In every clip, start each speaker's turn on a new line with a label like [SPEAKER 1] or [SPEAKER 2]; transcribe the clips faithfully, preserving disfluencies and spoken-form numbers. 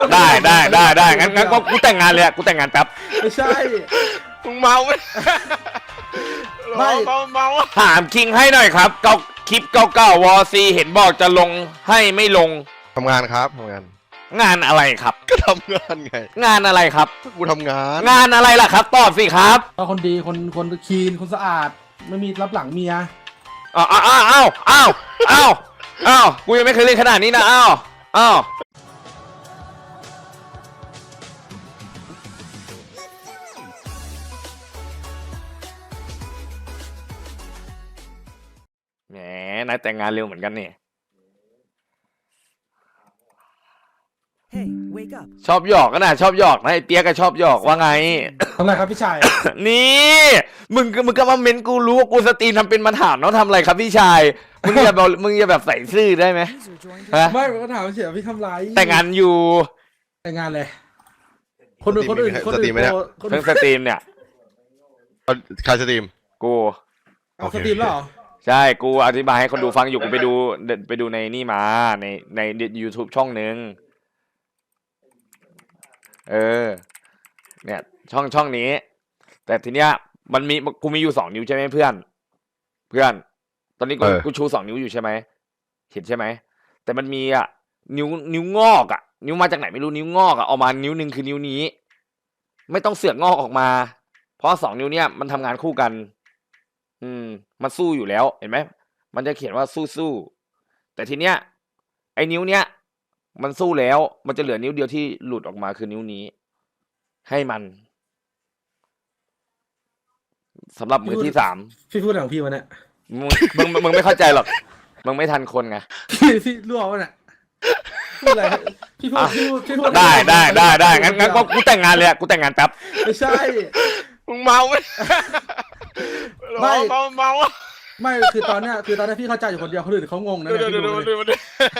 [SPEAKER 1] ได้ได้ได้ได้งั้นงั้นก็กูแต่งงานเลยกูแต่งงานแป๊บ
[SPEAKER 2] ไม่ใช่
[SPEAKER 3] มึงเมาไหมไม่เมาเมา
[SPEAKER 1] ถามคิงให้หน่อยครับเก่าคลิปเก่าๆวอซีเห็นบอกจะลงให้ไม่ลง
[SPEAKER 3] ทำงานครับทำงาน
[SPEAKER 1] งานอะไรครับ
[SPEAKER 3] ก็ทำงานไง
[SPEAKER 1] งานอะไรครับ
[SPEAKER 3] กูทำงาน
[SPEAKER 1] งานอะไรล่ะครับตอบสิครับ
[SPEAKER 2] ก็คนดีคนคนคีนคนสะอาดไม่มีรับหลังเมีย
[SPEAKER 1] อ้าวอ้าวอ้าวอ้าวอ้าวอ้าวกูยังไม่เคยเล่นขนาดนี้นะอ้าวอ้าวแหมนายแต่งงานเร็วเหมือนกันนี่ชอบหยอกก็นะชอบหยอกนะไอเตี้ยก็ชอบหยอกว่าไง
[SPEAKER 2] ทำไรครับพี่ชาย
[SPEAKER 1] นี่มึงมึงก็มาเม้นกูรู้ว่ากูสตรีมทำเป็นมาถามน้องทำอะไรครับพี่ชายมึงอย่าแบบมึงอย่าแบบใส่ซื่อได้ไหม
[SPEAKER 2] ไม่ก็ถามเฉยพี่ทำไร
[SPEAKER 1] แต่งงานอยู่
[SPEAKER 2] แต่งงานเลยคนอื่นคนอื่นคนอื่น
[SPEAKER 1] เพิ่งสตรีมเนี่ย
[SPEAKER 3] ใครสตรีม
[SPEAKER 1] กู
[SPEAKER 2] เอาสตรีมแล้วเหรอ
[SPEAKER 1] ใช่กูอธิบายให้คนดูฟังอยู่กูไปดูไปดูในนี่มาในใน YouTube ช่องนึงเออเนี่ยช่องช่องนี้แต่ทีเนี้ยมันมีกูมีอยู่สองนิ้วใช่ไหมเพื่อนเพื่อนตอนนี้กูกูชูสองนิ้วอยู่ใช่ไหมเห็นใช่ไหมแต่มันมีอ่ะนิ้วนิ้วงอกอ่ะนิ้วมาจากไหนไม่รู้นิ้วงอกอ่ะออกมานิ้วหนึ่งคือนิ้วนี้ไม่ต้องเสือกงอกออกมาเพราะสองนิ้วเนี้ยมันทำงานคู่กันอืมมันสู้อยู่แล้วเห็นไหมมันจะเขียนว่าสู้สู้แต่ทีเนี้ยไอ้นิ้วเนี้ยมันสู้แล้วมันจะเหลือนิ้วเดียวที่หลุดออกมาคือนิ้วนี้ให้มันสำหรับมือที่สาม
[SPEAKER 2] พี่พูดของพี่มันเนี่ย
[SPEAKER 1] มึงมึงมึงไม่เข้าใจหรอกมึงไม่ทันคนไง
[SPEAKER 2] พี่พี่รั่วมันเนี่ยพูดอะไรพี่พูดพี่พูดพี่พูด
[SPEAKER 1] ได้ได้ได้ได้งั้นงั้นก็กูแต่งงานเลยกูแต่งงานแป๊บ
[SPEAKER 2] ไม่ใช่
[SPEAKER 3] มึงเมาไหม
[SPEAKER 2] ไม่
[SPEAKER 3] เมาเมา
[SPEAKER 2] ไม่คือตอนเนี้ยคือตอนนี้พี่เข้าใจอยู่คนเดียวคนอื่นเขางงนะเนี่ยพี่ดูเลย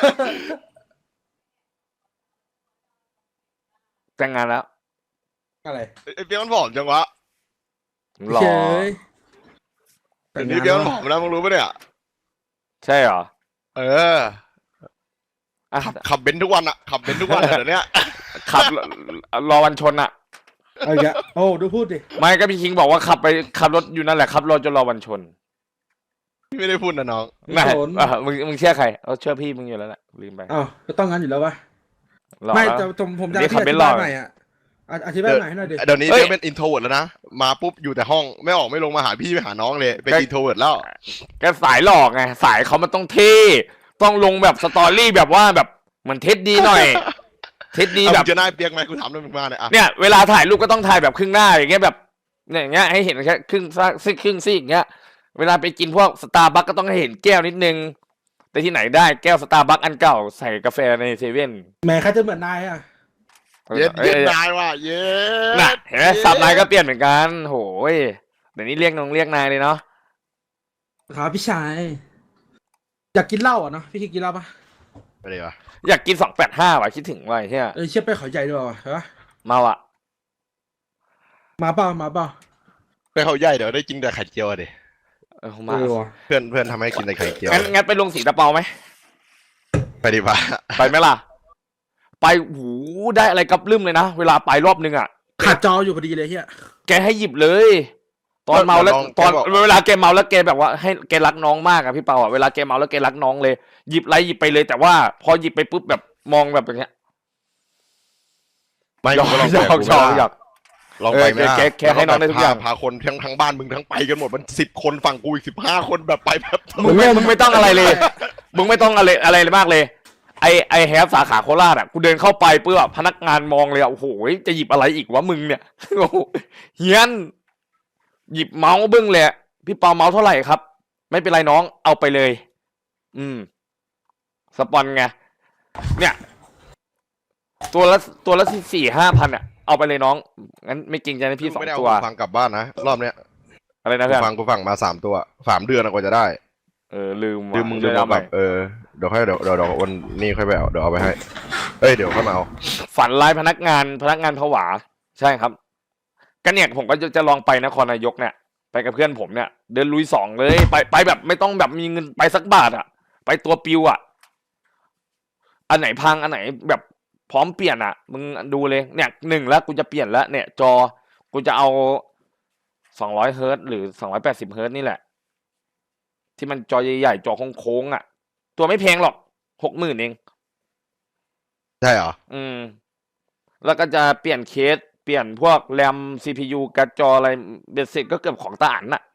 [SPEAKER 1] แต่งงานแล้ว
[SPEAKER 2] อะไร
[SPEAKER 3] ไอ้เปี๊ยกมันผอมจังวะ
[SPEAKER 1] หล่อ
[SPEAKER 3] เดี๋ยวนี้เปี๊ยกมันผอมแล้วมึงรู้ปะเนี่ย
[SPEAKER 1] ใช่เหรอ
[SPEAKER 3] เออขับเบนทุกวันอะขับเบนทุกวันเดี๋ยวนี้
[SPEAKER 1] ขับรอวันชนอะ
[SPEAKER 2] อะไรเงี้ยโอ้ดูพูดดิ
[SPEAKER 1] ไม่ก็พี่คิงบอกว่าขับไปขับรถอยู่นั่นแหละขับรถจนรอวันชน
[SPEAKER 3] พี่ไม่ได้พูดนะน้อง
[SPEAKER 1] ไม่มึงมึงเชื่อใครเอาเชื่อพี่มึงอยู่แล้วแหละลืมไป
[SPEAKER 2] อ้าวก็ต้องงั้นอยู่แล้ววะไม่แต่ผมผมจะอธิบายใหม่อ่ะอธิบายใหม่ให้หน่อยดิ
[SPEAKER 3] เดี๋ยวนี้เปี๊ยกเป็นอินโทรเวิร์ดแล้วนะมาปุ๊บอยู่แต่ห้องไม่ออกไม่ลงมาหาพี่ไปหาน้องเลยเป็นอินโทรเวิร์ดแล้ว
[SPEAKER 1] แกสายหลอกไงสายเขามันต้องเท่ต้องลงแบบสตอรี่แบบว่าแบบเหมือนเท็ดดีหน่อยเท็ดดีแบบ
[SPEAKER 3] จะน่าเปียกไหมกูถามเรื่องมึงมาเนี่ย
[SPEAKER 1] เนี่ยเวลาถ่ายรูปก็ต้องถ่ายแบบครึ่งหน้าอย่างเงี้ยแบบเนี่ยอย่างเงี้ยให้เห็นแค่ครึ่งซีครึ่งซีอย่างเงี้ยเวลาไปกินพวกสตาร์บัคก็ต้องให้เห็นแก้วนิดนึงแต่ที่ไหนได้แก้วสตาร์บัคอันเก่าใส่กาแฟในเซเว่น
[SPEAKER 2] แม่ใครจะเหมือนนายอ่ะ
[SPEAKER 3] เย็ดเย็ดนายว่ะเย็ด
[SPEAKER 1] น่ะเห็นไหมสับนายก็เปลี่ยนเหมือนกันโหยเดี๋ยวนี้เรียกน้องเรียกนายเลยเนาะ
[SPEAKER 2] ครับพี่ชายอยากกินเหล้าอ่ะเนาะพี่คิดกินเหล้าปะ
[SPEAKER 3] ไปเลยวะ
[SPEAKER 1] อยากกินสองแปดห้าว่ะคิดถึงว่ะเฮีย
[SPEAKER 2] เออเชี่ยไปเขาใหญ่ด้วยว่ะเหรอ
[SPEAKER 1] มาว่ะ
[SPEAKER 2] มาเปล่ามาเปล่า
[SPEAKER 3] ไปเขาใหญ่เดี๋ยวได้กินแต่ไข่เจียวดิ
[SPEAKER 1] เออมา
[SPEAKER 3] เพื่อนเพื่อนทำให้กินแต่ไข่เจียว
[SPEAKER 1] งั้นงั้นไปลงสีตะเปาไหม
[SPEAKER 3] ไปดิป่ะ
[SPEAKER 1] ไปไหมล่ะไปหูได้อะไรกับลืมเลยนะเวลาไปรอบนึงอ่ะ
[SPEAKER 2] ขาดจออยู่พอดีเลยเฮีย
[SPEAKER 1] แกให้หยิบเลยตอนเมาแล้วตอนเวลาแกเมาแล้วแกแบบว่าให้แกรักน้องมากอะพี่เปาอะเวลาแกเมาแล้วแกรักน้องเลยหยิบไรหยิบไปเลยแต่ว่าพอหยิบไปปุ๊บแบบมองแบบอย่างเงี้ย
[SPEAKER 3] ไม่ลองลอง
[SPEAKER 1] ชอบอยาก
[SPEAKER 3] ลองไปไหม
[SPEAKER 1] แกแค่ให้น้องได้ทุกอย่าง
[SPEAKER 3] พาคนทั้งทั้งบ้านมึงทั้งไปกันหมดมันสิบคนฝั่งกูอีกสิบห้าคนแบบไปแบบ
[SPEAKER 1] มึงไม่มึงไม่ต้องอะไรเลยมึงไม่ต้องอะไรอะไรเลยมากเลยไอไอแฮปสาขาโคราชอ่ะกูเดินเข้าไปเพื่อพนักงานมองเลยอ่ะโอ้โหจะหยิบอะไรอีกวะมึงเนี่ยเฮียนหยิบเมาส์บึ้งเลยพี่เปาเมาส์เท่าไหร่ครับไม่เป็นไรน้องเอาไปเลยอืมสปอนไงเนี่ยตัวละตัวละสี่ห้าพันอ่ะเอาไปเลยน้องงั้นไม่จริงใจนะพี่สองตัว
[SPEAKER 3] ฟังกลับบ้านนะรอบเนี้ย
[SPEAKER 1] อะไรนะเพื่อน
[SPEAKER 3] ฟังกูฟังมาสามตัวสามเดือนกว่าจะได้
[SPEAKER 1] เออลืม
[SPEAKER 3] ลืมมึงลืมเอาแบบเออเดี๋ยวค่อยเดี๋ยวเดี๋ยวเดี๋ยววันนี้ค่อยไปเอาเดี๋ยวเอาไปให้เอ้ยเดี๋ยวค่อยมาเอา
[SPEAKER 1] ฝันร้ายพนักงานพนักงานผวาใช่ครับกันเนี่ยผมก็จะจะลองไปนครนายกเนี่ยไปกับเพื่อนผมเนี่ยเดินลุยสองเลยไปไปแบบไม่ต้องแบบมีเงินไปสักบาทอ่ะไปตัวปิวอ่ะอันไหนพังอันไหนแบบพร้อมเปลี่ยนอ่ะ มึงดูเลยเนี่ยหนึ่งแล้วกูจะเปลี่ยนแล้วเนี่ย จอกูจะเอาสองร้อยเฮิร์ตซ์หรือสองร้อยแปดสิบเฮิร์ตซ์นี่แหละ ที่มันจอใหญ่ๆจอโค้งๆอ่ะ ตัวไม่แพงหรอกหกหมื่นเอง
[SPEAKER 3] ใช่เหรอ
[SPEAKER 1] อืม แล้วก็จะเปลี่ยนเคส เปลี่ยนพวกแรม ซี พี ยู การ์ดจออะไรเบ็ดเสร็จก็เกือบของตาอันน่ะ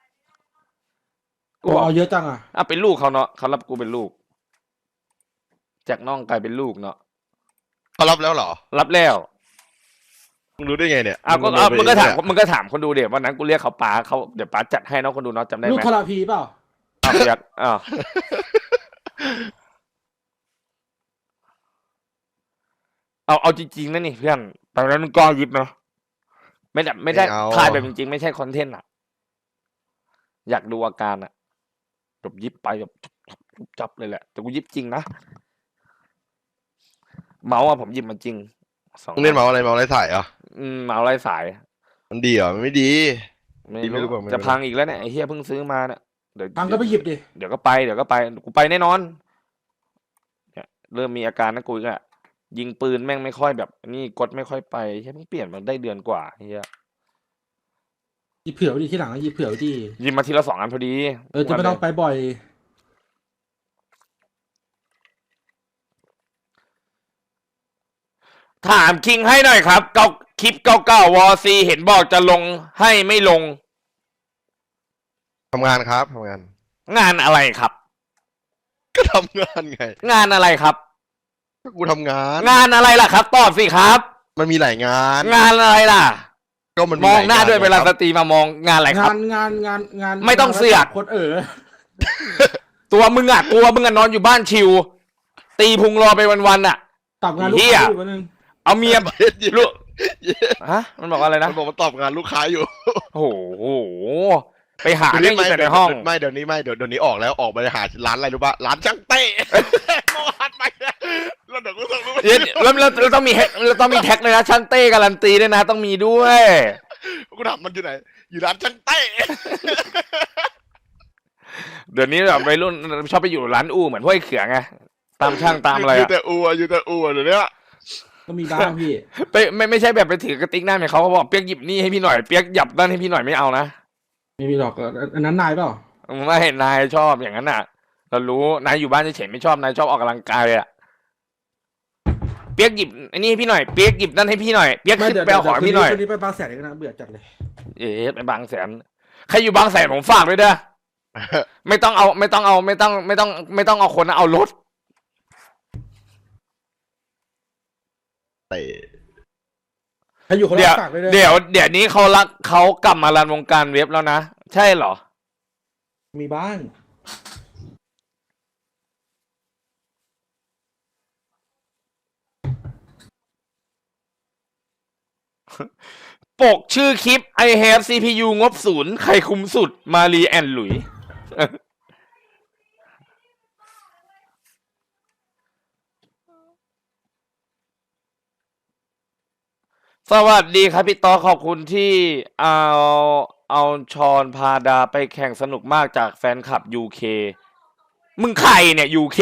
[SPEAKER 2] กูเอาเยอะจังอ่ะ
[SPEAKER 1] อ่ะเป็นลูกเขาเนาะเขารับกูเป็นลูก จากน้องกลายเป็นลูกเนาะ
[SPEAKER 3] เขารับแล้วเหรอ
[SPEAKER 1] รับแล้ว
[SPEAKER 3] มึงรู้ได้ไงเนี่ย
[SPEAKER 1] อ้าวก็
[SPEAKER 3] รู้
[SPEAKER 1] อ้าว
[SPEAKER 3] ไป
[SPEAKER 1] มึงก็ถาม
[SPEAKER 3] เนี่ย
[SPEAKER 1] มึงก็ถามคนดูเดี๋ยววันนั้นกูเรียกเขาป๋าเขาเดี๋ยวป๋าจัดให้เนาะคนดูเนาะจำได้ไห
[SPEAKER 2] ลูก
[SPEAKER 1] ม
[SPEAKER 2] คาราพีเปล่า
[SPEAKER 1] อ้าวเปียกอ้าวเอาเอาจริงๆนะนี่เพื่อนตอนนั้นมึงก็ยิบเนาะไม่ได้ไม่ได้
[SPEAKER 3] ไม่เอา
[SPEAKER 1] ถ่ายแบบจริงๆไม่ใช่คอนเทนต์อ่ะ อยากดูอาการอ่ะแบบยิบไปแบบจุบจับเลยแหละ แต่กูยิบจริงนะเมาส์อะผมยิบมันจริงสอง
[SPEAKER 3] มึงเล่นเมาส์อะไรเมาส์อะไรสายเหรอ่ะ
[SPEAKER 1] อืมเมาส์ไร้สาย
[SPEAKER 3] มันดีเหรอมันไม่ดี
[SPEAKER 1] ไม่
[SPEAKER 3] ดีไม่รู้
[SPEAKER 1] รู้
[SPEAKER 3] เปล่าไม่รู้
[SPEAKER 1] จะพังอีกแล้วเนี่ยไอ้เฮียเพิ่งซื้อมาเนี่ยเดี๋ยว
[SPEAKER 2] ตังก็ไปหยิบดิ
[SPEAKER 1] เดี๋ยวก็ไปเดี๋ยวก็ไปกูไปแน่นอนเนี่ยเริ่มมีอาการนะกูอีกอะยิงปืนแม่งไม่ค่อยแบบนี่กดไม่ค่อยไปเฮียเพิ่งเปลี่ยนมาได้เดือนกว่าเฮีย
[SPEAKER 2] หยิบเผื่อไว้ดิที่หลังก็หยิบเผื่อไว้ดิ
[SPEAKER 1] ยิงมาทีละสองอันพอดี
[SPEAKER 2] เออจะไม่ต้องไปบ่อย
[SPEAKER 1] ถามคิงให้หน่อยครับเก่าคลิปเก่าๆวอซีเห็นบอกจะลงให้ไม่ลง
[SPEAKER 3] ทำงานครับทำงาน
[SPEAKER 1] งานอะไรครับ
[SPEAKER 3] ก็ทำงานไง
[SPEAKER 1] งานอะไรครับ
[SPEAKER 3] ก็กูทำงาน
[SPEAKER 1] งานอะไรล่ะครับตอบสิครับ
[SPEAKER 3] มันมีหลายงาน
[SPEAKER 1] งานอะไรล่ะ
[SPEAKER 3] ก็มัน
[SPEAKER 1] มองหน้า
[SPEAKER 3] ลย
[SPEAKER 1] ด้วย
[SPEAKER 3] ง
[SPEAKER 1] เวลา
[SPEAKER 3] ค
[SPEAKER 1] ส
[SPEAKER 3] รับ
[SPEAKER 1] ตรีมามองงานอะไรค
[SPEAKER 2] งา
[SPEAKER 1] รับ
[SPEAKER 2] นงานงานงาน
[SPEAKER 1] ไม่ต้องเสือก
[SPEAKER 2] คนเออ
[SPEAKER 1] ตัวมึงอ่ะกลัวมึงอ่ะนอนอยู่บ้านชิว ตีพุงรอไปวันๆอ่ะ
[SPEAKER 2] ตับงานลูก
[SPEAKER 1] เหี้ย
[SPEAKER 2] ค้าอยู่วันนึง
[SPEAKER 1] เอาเมีย
[SPEAKER 3] เย็น
[SPEAKER 1] ลูกฮะมันบอกว่าอะไร
[SPEAKER 3] มั
[SPEAKER 1] นะ
[SPEAKER 3] นบอกมันตอบงานลูกค้าอยู่
[SPEAKER 1] โอ้โหไปหาเรื่องอยู่แต่ในห้อง
[SPEAKER 3] ไม่เดี๋ยวนี้ไม่เดี๋ยวเดี๋ยวนี้ออกแล้วออกไปหาร้านอะไรรู้ป่ะร้านช่างเต้ เมื่อวานไปแล้วเดี๋ยวกูส่งรูป
[SPEAKER 1] เดี๋ยวแล้วแล้วแล้วต้องมีแฮกแล้วต้องมีแท็กเลยนะช่างเต้การันตีด้วยนะ ต้องมีด้วย
[SPEAKER 3] กูถามมันอยู่ไหนอยู่ร้านช่างเต้
[SPEAKER 1] เดี๋ยวนี้แบบวัยรุ่นชอบไปอยู่ร้านอู่เหมือนห้วยเขือไงตามช่างตามอะไร
[SPEAKER 3] อยู่
[SPEAKER 1] อะ
[SPEAKER 3] แต่อัวอยู่แต่อัวเดี๋ยวนี้
[SPEAKER 2] ก็มีบ้างพี่
[SPEAKER 1] ไปไม่ไม่ใช่แบบไปถือกระติกหน้าเหมือนเขาเขาบอกเปียกหยิบนี่ให้พี่หน่อยเปียกหยับด้านให้พี่หน่อยไม่เอานะ
[SPEAKER 2] ไม่มีหรอกอันนั้นนายเปล่า
[SPEAKER 1] ไม่เห็นนายชอบอย่างนั้นน่ะ เรารู้นายอยู่บ้านเฉยๆไม่ชอบนายชอบออกกำลังกายอะเปียกหยิบอันนี้ให้พี่หน่อยเปียกหยิบนั่นให้พี่หน่อยเปียก
[SPEAKER 2] ไม่
[SPEAKER 1] ขึ้น
[SPEAKER 2] เดี๋ยว
[SPEAKER 1] ไปเอาของให้พี่หน่อย
[SPEAKER 2] คืนนี้ไปบางแสนอีกนะเบื่อจัดเลย
[SPEAKER 1] เอ๊ะไปบางแสนใครอยู่บางแสนผมฝากด้วยเด้อ ไม่ต้องเอาไม่ต้องเอาไม่ต้องไม่ต้องไม่ต้องเอาคนนะเอารถ
[SPEAKER 3] เตะ
[SPEAKER 2] ใครอยู่คน
[SPEAKER 1] เดี๋ยว
[SPEAKER 2] ละฝากเลย
[SPEAKER 1] เดี๋ยวเดี๋ยวนี้เขารักเขากลับมารันวงการเว็บแล้วนะใช่เหรอ
[SPEAKER 2] มีบ้าง
[SPEAKER 1] ปกชื่อคลิป I have ซี พี ยู งบศูนย์ใครคุมสุดมารีแอนหลุย สวัสดีครับพี่ต่อขอบคุณที่เอาเอาชอนพาดาไปแข่งสนุกมากจากแฟนคลับ ยู เค มึงใครเนี่ย ยู เค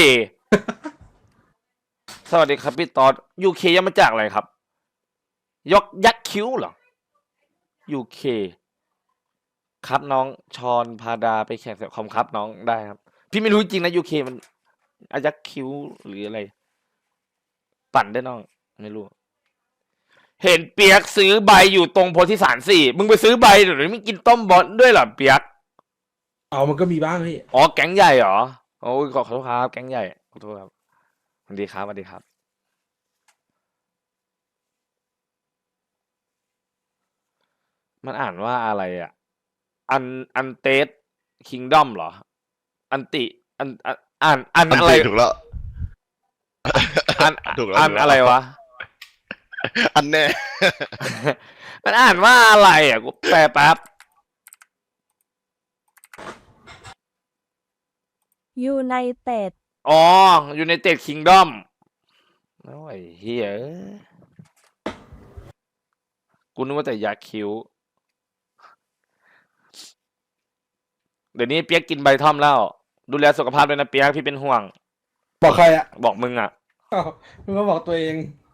[SPEAKER 1] สวัสดีครับพี่ต่อ ยู เค ย่อมาจากอะไรครับ ยกยักษ์คิ้วเหรอ ยู เค ครับน้องชอนพาดาไปแข่งเสียคอมครับน้องได้ครับ พี่ไม่รู้จริงนะ ยู เค มันอายักษ์คิ้วหรืออะไร ปั่นได้น้อง ไม่รู้ เห็นเปียกซื้อใบอยู่ตรงโพธิสารสี่ มึงไปซื้อใบหรือมึงกินต้มบอลด้วยเหรอเปียก
[SPEAKER 2] เอามันก็มีบ้างพี่
[SPEAKER 1] อ๋อแก๊งใหญ่เหรอ โอ้ยขอโทษครับแก๊งใหญ่ขอโทษครับสวัสดีครับสวัสดีครับ มันอ่านว่าอะไรอ่ะ อันอันเตสคิงดอมเหรอ อันติอันอันอ่านอัน
[SPEAKER 3] อัน
[SPEAKER 1] อะไร
[SPEAKER 3] ตีถูกแล้ว
[SPEAKER 1] อัน
[SPEAKER 3] ถูกแล้ว
[SPEAKER 1] อัน
[SPEAKER 3] ถูกแล้ว
[SPEAKER 1] อะไรวะ
[SPEAKER 3] อันแน่
[SPEAKER 1] มันอ่านว่าอะไรอ่ะกูแปลแป๊บ
[SPEAKER 4] ยูไนเต็ด
[SPEAKER 1] อ๋ออยู่ในเต็ดคิงดอมโอ้ยเฮียเอ้ยกูนึกว่าแต่ยาคิ้ว เดี๋ยวนี้เปียกกินใบท่อมแล้ว ดูแลสุขภาพด้วยนะเปียกพี่เป็นห่วง
[SPEAKER 2] บอกใครอ่ะ
[SPEAKER 1] บอกมึงอ่ะ
[SPEAKER 2] อ้าวมึงก็บอกตัวเอง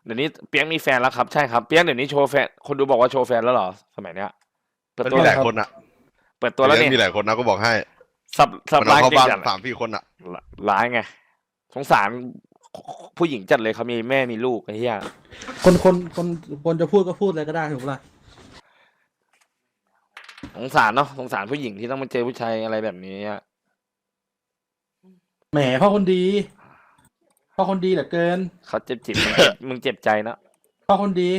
[SPEAKER 1] เดี๋ยวนี้เปียกมีแฟนแล้วครับใช่ครับเปียกเดี๋ยวนี้โชว์แฟนคนดูบอกว่าโชว์แฟนแล้วเหรอสมัยเนี้ยเปิด
[SPEAKER 3] มัน
[SPEAKER 1] ตัว
[SPEAKER 3] มีหลายคนอ่ะ
[SPEAKER 1] เปิดตัวแล้วนี่
[SPEAKER 3] มีหลายคนนะก็บอกให้
[SPEAKER 1] สับสับ
[SPEAKER 3] มัน
[SPEAKER 1] ร้า
[SPEAKER 3] เอา
[SPEAKER 1] ย
[SPEAKER 3] เข้า
[SPEAKER 1] เก่ง
[SPEAKER 3] บ้าน
[SPEAKER 1] จัด
[SPEAKER 3] สามสี่คนอ่ะ
[SPEAKER 1] ร้ายไงสงสารผู้หญิงจัดเลยเขามีแม่มีลูกไอ้เหี้ย
[SPEAKER 2] คนคนคนคนจะพูดก็พูดอะไรก็ได้ถูกปะล่ะ
[SPEAKER 1] สงสารเนาะสงสารผู้หญิงที่ต้องมาเจอผู้ชายอะไรแบบนี้อะ
[SPEAKER 2] แหมพ่อคนดีพ่อคนดีเหลือเกิน
[SPEAKER 1] เขาเจ็บจิตมึงเจ็บมึงเจ็บใจเนอะ
[SPEAKER 2] พ่อคนดี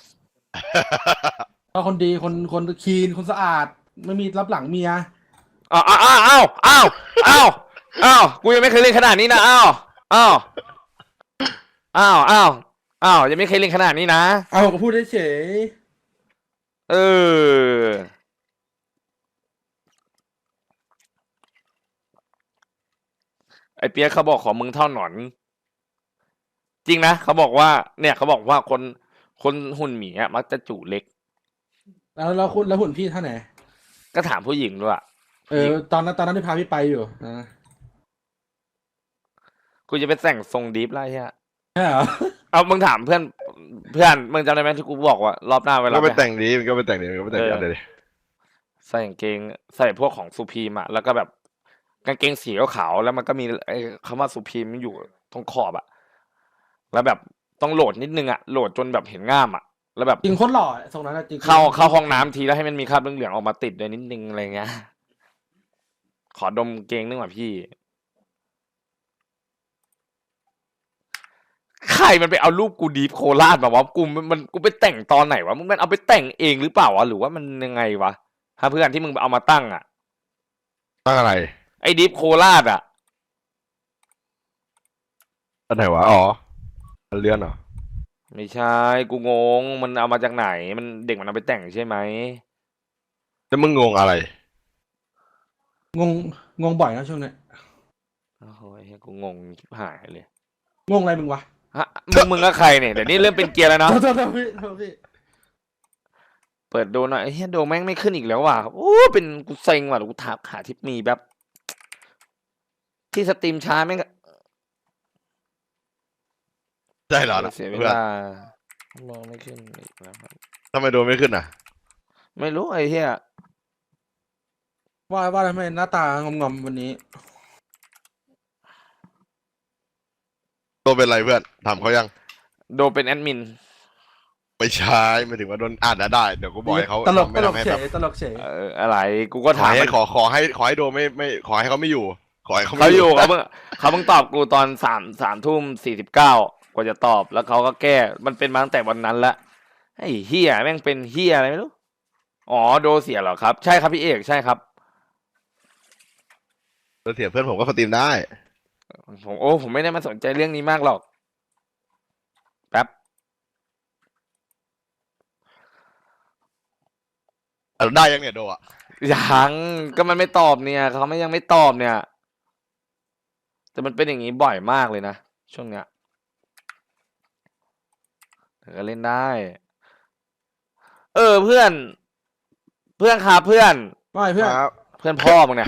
[SPEAKER 2] พ่อคนดีคนคนคีนคนสะอาดไม่มีรับหลังเมีย
[SPEAKER 1] อ้าวอ้าวอ้าวอ้าวอ้าวอ้าวอ้าวกูยังไม่เคยเล่นขนาดนี้นะอ้าวอ้าวอ้าวอ้าวอ้าวยังไม่เคยเล่นขนาดนี้นะ
[SPEAKER 2] เอาผมก็พูดเฉย
[SPEAKER 1] เออไอเปียกเขาบอกขอมึงเท่าหนอน จริงนะเขาบอกว่า เนี่ยเขาบอกว่าคนคนหุ่นหมีอะมักจะจูเล็ก
[SPEAKER 2] ๆแล้วแล้วคุณแล้วหุ่นพี่ท่านไหน
[SPEAKER 1] ก็ถามผู้หญิงด้วยอะ
[SPEAKER 2] เออตอนนั้นตอนนั้นที่พาพี่ไปอยู่นะ
[SPEAKER 1] กูจะไปแต่งทรงดีฟไล่เฮีย
[SPEAKER 2] ใช่เหรอ
[SPEAKER 1] เอามึงถามเพื่อนเพื่อนมึงจำได้ไหมที่กูบอกว่ารอบหน้าเวลา
[SPEAKER 3] ก็ไป
[SPEAKER 1] ไป
[SPEAKER 3] แต่งดีมันก็ไปแต่งดีมันก็ไปแต่งดี
[SPEAKER 1] เออ
[SPEAKER 3] อะไรดิ
[SPEAKER 1] ใส่กางเกงใส่พวกของซูพีมอะแล้วก็แบบกางเกงสีขาวๆแล้วมันก็มีไอ้คำว่าซูพีมมันอยู่ตรงขอบอะแล้วแบบต้องโหลดนิดนึงอะโหลดจนแบบเห็นง่ามอะแล้วแบบ
[SPEAKER 2] จริงโคตรหล่อทรงนั้นอะจริง
[SPEAKER 1] เข้าเข้าห้องน้ำทีแล้วให้มันมีคราบเหลืองๆออกมาติดด้วยนิดนึงอะไรเงี้ยขอดมเกงนึงว่ะพี่ใครมันไปเอารูปกูดีฟโคราชมาวะกูมันมันกูไปแต่งตอนไหนวะมึงมันเอาไปแต่งเองหรือเปล่าวะหรือว่ามันยังไงวะถ้าเพื่อนที่มึงเอามาตั้งอะ
[SPEAKER 3] ตั้งอะไร
[SPEAKER 1] ไอ้ดีฟโคราชอะ
[SPEAKER 3] อันไหนวะอ๋ออันเลื่อนเหรอ
[SPEAKER 1] ไม่ใช่กูงงมันเอามาจากไหน มันเด็กมันเอาไปแต่งใช่ไหม
[SPEAKER 3] แล้วมึงงงอะไร
[SPEAKER 2] งงงงบ่อยนะช่วงเนี้ย
[SPEAKER 1] โอ้โหเหี้ยกูงงชิบหายเลย
[SPEAKER 2] งงอะไรมึงวะ
[SPEAKER 1] ฮะมึงมึงก็ใครเนี่ยเดี๋ยวนี้เริ่มเป็นเกียร์แล้วเนาะ
[SPEAKER 2] โทษโทษโทษพี่โทษพี่
[SPEAKER 1] เปิดดูหน่อยเฮียโดแม่งไม่ขึ้นอีกแล้วว่ะโอ้เป็นกูเซ็งว่ะเดี๋ยวกูถามหาทิปมีแบบ ที่สตรีมช้าแม่งก็
[SPEAKER 3] ใช่เหรอ
[SPEAKER 1] เสียเว
[SPEAKER 3] เพื่อน
[SPEAKER 1] ลามองไม่ขึ้นอีกแล้วครับ
[SPEAKER 3] ทำไมโดนไม่ขึ้นอ่ะ
[SPEAKER 1] ไม่รู้ไอ้เฮีย
[SPEAKER 2] ว่าว่าทำไมหน้าตางอมๆวันนี้
[SPEAKER 3] โดนเป็นไรเพื่อนถามเขายัง
[SPEAKER 1] โดเป็นแอดมิน
[SPEAKER 3] ไม่ใช่ไม่ถึงว่าโดนอ่านนะได้เดี๋ยวกูบอกให้เขา
[SPEAKER 2] ตลก
[SPEAKER 3] ไม่
[SPEAKER 2] ตลก
[SPEAKER 3] ทำให้
[SPEAKER 2] เฉ
[SPEAKER 3] แบบ
[SPEAKER 2] ยตลกเฉย
[SPEAKER 1] เอออะไร กูก็
[SPEAKER 3] ขอ
[SPEAKER 1] ถาม
[SPEAKER 3] ให้
[SPEAKER 1] มัน
[SPEAKER 3] ขอขอให้ขอให้โดนไม่ไม่ขอให้เขาไม่อยู่ ขอให้เขาไม่
[SPEAKER 1] เขาอยู่เขาเพิ่งเขาเพิ่งตอบกูตอนสามสามทุ่มสี่สิบเก้ากว่าจะตอบแล้วเขาก็แก้มันเป็นมาตั้งแต่วันนั้นละไอ้เฮียแม่งเป็นเฮียอะไรไม่รู้อ๋อโดเสียเหรอครับใช่ครับพี่เอกใช่ครับ
[SPEAKER 3] แล้วเสียเพื่อนผมก็สตรีมได้
[SPEAKER 1] ผมโอ้ผมไม่ได้มาสนใจเรื่องนี้มากหรอกแป๊บ
[SPEAKER 3] อ่ะได้ยังเนี่ยโดอ่ะ
[SPEAKER 1] ยังก็มันไม่ตอบเนี่ยเขาไม่ยังไม่ตอบเนี่ย แต่มันเป็นอย่างนี้บ่อยมากเลยนะช่วงเนี้ยแต่ก็เล่นได้ เออเพื่อน เพื่อนครับเพื่อน
[SPEAKER 2] ว่าไงเพื่อน
[SPEAKER 3] ครับ
[SPEAKER 1] เพื่อนพ่อมึงเนี่ย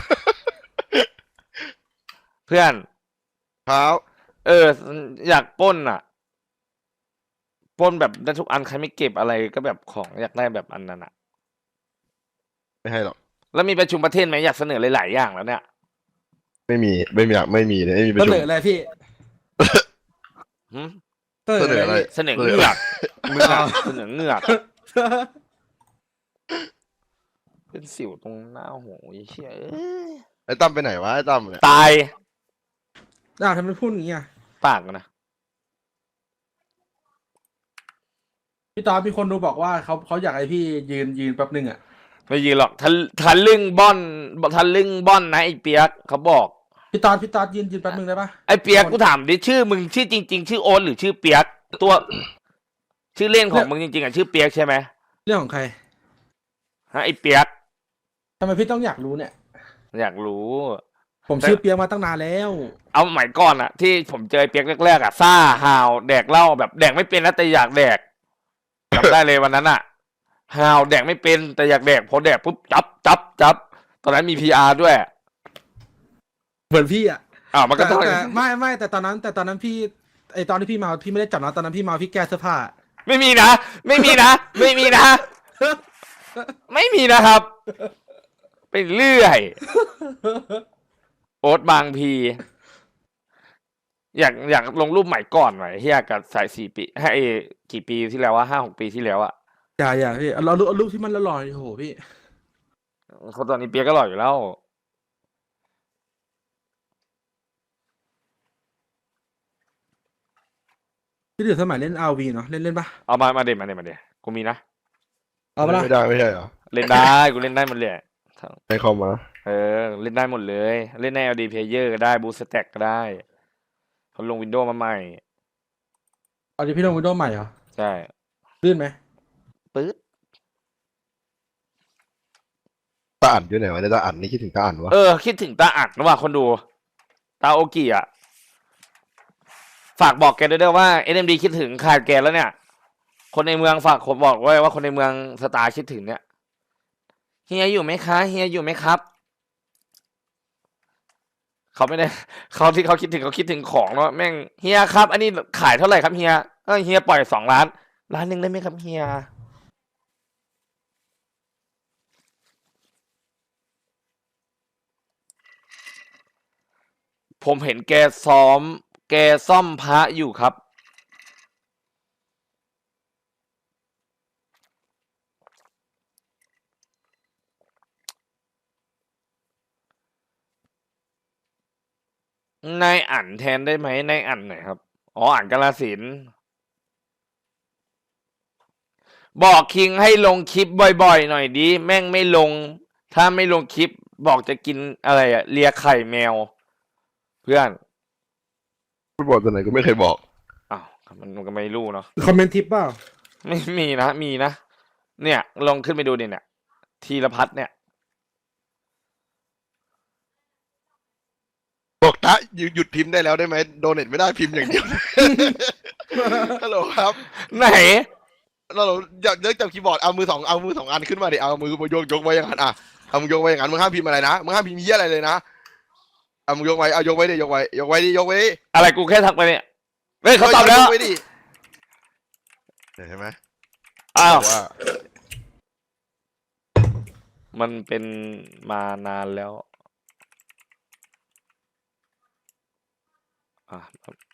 [SPEAKER 1] เพื่อน
[SPEAKER 3] ครับ
[SPEAKER 1] เออ อยากปล้นอ่ะปล้นแบบได้ทุกอันใครไม่เก็บอะไรก็แบบของอยากได้แบบอันนั้นอ่ะ
[SPEAKER 3] ไม่ให้หรอก
[SPEAKER 1] แล้วมีประชุมประเทศไหมอยากเสนอหลายๆอย่างแล้วเนี่ย
[SPEAKER 3] ไม่มีไม่มีอยากไม่มีเลยไม่มีประ
[SPEAKER 2] เส
[SPEAKER 3] ชุม
[SPEAKER 2] นออะไรพี่
[SPEAKER 1] หึ
[SPEAKER 2] เสนอ
[SPEAKER 3] เสนอ
[SPEAKER 2] อะ
[SPEAKER 3] อะไร ไร
[SPEAKER 2] พี่
[SPEAKER 1] เสนอเงือกเงือกเสนอเงือก เป็นสิวตรงหน้าหูไอ้เชี่ยเอ้ย
[SPEAKER 3] ไอ้ตั้มไปไหนวะไอ้ตั้มเนี่ย
[SPEAKER 1] ตาย
[SPEAKER 2] อ้าวทำไมพูดอย่างนี้อ่ะ
[SPEAKER 1] ปากมันนะ
[SPEAKER 2] พี่ตอนมีคนดูบอกว่าเขาเขาอยากให้พี่ยืนยืนแป๊บนึงอ่ะ
[SPEAKER 1] ไม่ยืนหรอกทะทะลึ่งบ้อนทะลึ่งบ้อนนะไอ้เปียกเขาบอก
[SPEAKER 2] พี่ตอนพี่ตอนยืนยืนแป๊บนึงได้ปะ
[SPEAKER 1] ไอ้เปียกกูถามดิชื่อมึงชื่อจริง ๆ ชื่อโอ๊ตหรือชื่อเปียกตัว ชื่อเล่นของมึงจริงๆอ่ะชื่อเปียกใช่ไหม
[SPEAKER 2] เรื่องของใคร
[SPEAKER 1] ฮะไอ้เปียก
[SPEAKER 2] ทำไมพี่ต้องอยากรู้เนี่ย
[SPEAKER 1] อยากรู้
[SPEAKER 2] ผมชื่อเปียกมาตั้งนานแล้ว
[SPEAKER 1] เอาใหม่ก่อนอะที่ผมเจอไอ้เปียกแรกๆอะซ่าฮาวแดกเหล้าแบบแดกไม่เป็นนะแต่อยากแดกจำได้เลยวันนั้นอะฮาวแดกไม่เป็นแต่อยากแดกพอแดกปุ๊บจับจับจับตอนนั้นมีพีอาร์ด้วย
[SPEAKER 2] เหมือนพี่อ่ะ
[SPEAKER 1] อ้าวมันก็
[SPEAKER 2] แต่
[SPEAKER 1] ต้อง
[SPEAKER 2] แต่ไม่ไม่แต่ตอนนั้น แต่ตอนนั้นพี่ไอตอนที่พี่เมาพี่ไม่ได้จับนะตอนนั้นพี่เมาพี่แก้เสื้อผ้า
[SPEAKER 1] ไม่มีนะ ไม่มีนะ ไม่มีนะ ไม่มีนะครับ ไปเรื่อย โอ๊ตบางพี อยากอยากลงรูปใหม่ก่อนหน่อยที่อยากกับสายสี่ปีให้กี่ปีที่แล้วว่าห้าหกปีที่แล้วอะ
[SPEAKER 2] อย่าอย่าพี่เอาเราเอารูปที่มันละลอยโอ้โหพี่
[SPEAKER 1] เขาตอนนี้เปียกก็หล่ออยู่แล้ว
[SPEAKER 2] ที่เดือดสมัยเล่นอาร์วีเนาะเล่นเล่นปะ
[SPEAKER 1] เอามามาเด็มาเด็มาเด็กูมีนะ
[SPEAKER 2] เอาปะล่ะ
[SPEAKER 3] ไม่ได้ไม่ใช่เหรอ
[SPEAKER 1] เล่นได้กูเล่นได้หมดเลย
[SPEAKER 3] ให้เข้ามา
[SPEAKER 1] เออ เล่นได้หมดเลย เล่นใน แอล ดี Player ก็ได้บูสแต็กก็ได้เขาลงวินโดว์มาใหม่
[SPEAKER 2] เอาดิพี่ลงวินโดว์ใหม่เหรอ
[SPEAKER 1] ใช่
[SPEAKER 2] ลื่นไหม
[SPEAKER 1] ปื๊ด
[SPEAKER 3] ตาอ่านอยู่ไหนวะเนี่ยตาอ่านนี่คิดถึงตาอ่านวะ
[SPEAKER 1] เออ คิดถึงตาอัดนะว่าคนดู ตาโอกิอ่ะ ฝากบอกแกด้วยเด้อว่า เอ็ม ดี คิดถึงขาดแกแล้วเนี่ย คนในเมืองฝากผมบอกไว้ว่าคนในเมืองสตาร์คิดถึงเนี่ยเฮียอยู่ไหมคะเฮียอยู่ไหมครับเขาไม่ได้ เขาที่เขาคิดถึงเขาคิดถึงของเนาะแม่งเฮียครับ อันนี้ขายเท่าไหร่ครับเฮียเออเฮียปล่อยสองล้านล้านหนึ่งได้ไหมครับเฮียผมเห็นแกซ้อม แกซ่อมพระอยู่ครับนายอ่านแทนได้ไหมนายอ่านหน่อยครับอ๋ออ่านกาฬสินธุ์บอกคิงให้ลงคลิปบ่อยๆหน่อยดิแม่งไม่ลง ถ้าไม่ลงคลิปบอกจะกินอะไรอะเลียไข่แมว เพื่อน
[SPEAKER 3] พูดบอกตัวไหนก็ไม่เคยบอก
[SPEAKER 1] อ้าวมันมันก็ไม่รู้เนาะ
[SPEAKER 2] คอมเมนต์ทิปเปล่า
[SPEAKER 1] ไม่มีนะมีนะเนี่ยลองขึ้นไปดูดิเนี่ยธีรพัฒน์เนี่ย
[SPEAKER 3] บอกตาหยุดหยุดพิมพ์ได้แล้วได้ไหมโดเน็ตไม่ได้พิมพ์อย่างเดียว ฮัลโหลครับ
[SPEAKER 1] ไหน
[SPEAKER 3] เราอยากเลิกจับคีย์บอร์ดเอามือสองเอามือสองอันขึ้นมาดิเอามือยกยกไว้อย่างนั้นอ่ะเอามือยกไว้อย่างนั้นมึงห้ามพิมพ์อะไรนะมึงห้ามพิมพ์เหี้ยอะไรเลยนะเอามือยกไว้เอายกไว้ดิยกไว้ยกไว้ดิยกไว้ดิ
[SPEAKER 1] อะไรกูแค่ทักไปเนี่ยเฮ้ยเขาตอบแล้ว
[SPEAKER 3] ยกไว้ดิเห็นไหม
[SPEAKER 1] อ้าว
[SPEAKER 3] บอกว่า
[SPEAKER 1] มันเป็นมานานแล้วอ่ะ